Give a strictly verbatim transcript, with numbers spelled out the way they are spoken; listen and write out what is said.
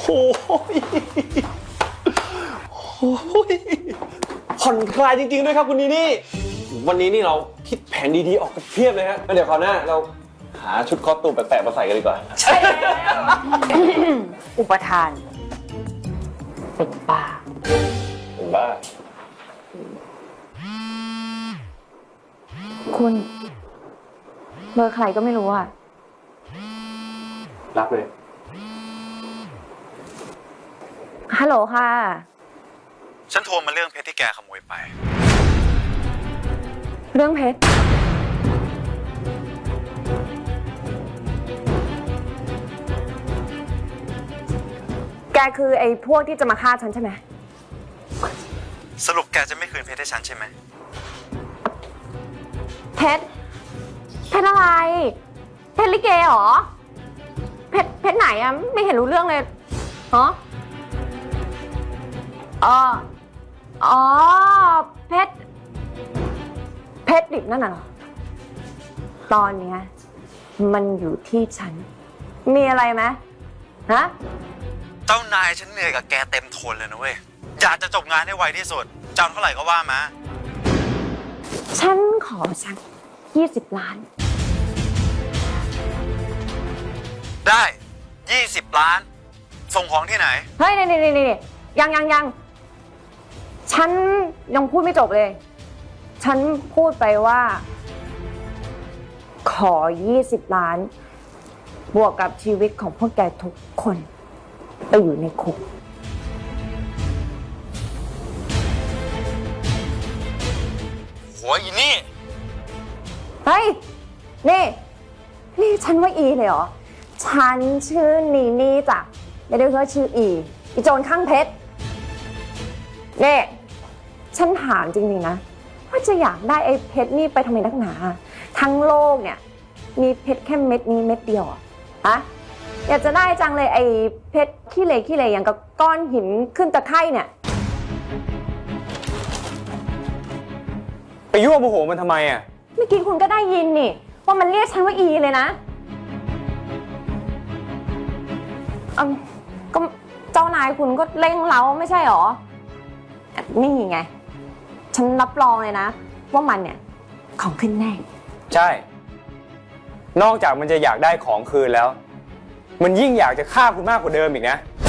โอ้ยผ่อนคลายจริงๆด้วยครับคุณนีนี่วันนี้นี่เราคิดแผนดีๆออกกันเพียบเลยฮะแล้วเดี๋ยวคราวหน้าเราหาชุดคอสตูมแปลกๆมาใส่กันดีกว่าใช่อุปทานเป็นบ้าเป็นบ้าคุณเบอร์ใครก็ไม่รู้อ่ะรับเลยฮัลโหลค่ะฉันโทรมาเรื่องเพชรที่แกขโมยไปเรื่องเพชรแกคือไอ้พวกที่จะมาฆ่าฉันใช่ไหมสรุปแกจะไม่คืนเพชรให้ฉันใช่ไหมเพชรเพชรอะไรเพชรลิเกเหรอเพชรเพชรไหนอะไม่เห็นรู้เรื่องเลยฮะอ๋ออ๋อเพชรเพชรดิบนั่นน่ะเหรอตอนเนี้ยมันอยู่ที่ฉันมีอะไรไหมฮะเจ้านายฉันเหนื่อยกับแกเต็มทนเลยนะเว้ยอยากจะจบงานให้ไวที่สุดจ้างเท่าไหร่ก็ว่ามาฉันขอสักยี่สิบล้านได้ยี่สิบล้านส่งของที่ไหนเฮ้ยนี่นี่นี่ยังยังยังฉันยังพูดไม่จบเลยฉันพูดไปว่าขอยี่สิบล้านบวกกับชีวิตของพวกแกทุกคนไปอยู่ในคุกโหอีนี่เฮ้ยนี่นี่ฉันว่าอีเลยเหรอฉันชื่อนีนี่จ้ะไม่ได้ว่าชื่ออีอีโจรข้างเพชรนี่ฉันถามจริงๆนะว่าจะอยากได้ไอ้เพชรนี่ไปทำไมนักหนาทั้งโลกเนี่ยมีเพชรแค่เม็ดนี้เม็ดเดียวอะอะอยากจะได้จังเลยไอ้เพชรขี้เหร่ขี้เหร่อย่างกับก้อนหินขึ้นตะไคร่เนี่ยไปยั่วโมโหมันทำไมอ่ะเมื่อกี้คุณก็ได้ยินนี่ว่ามันเรียกฉันว่าอีเลยนะอืมก็เจ้านายคุณก็เร่งเร้าไม่ใช่หรอนี่ไงฉันรับรองเลยนะว่ามันเนี่ยของขึ้นแน่ใช่นอกจากมันจะอยากได้ของคืนแล้วมันยิ่งอยากจะฆ่าคุณมากกว่าเดิมอีกนะ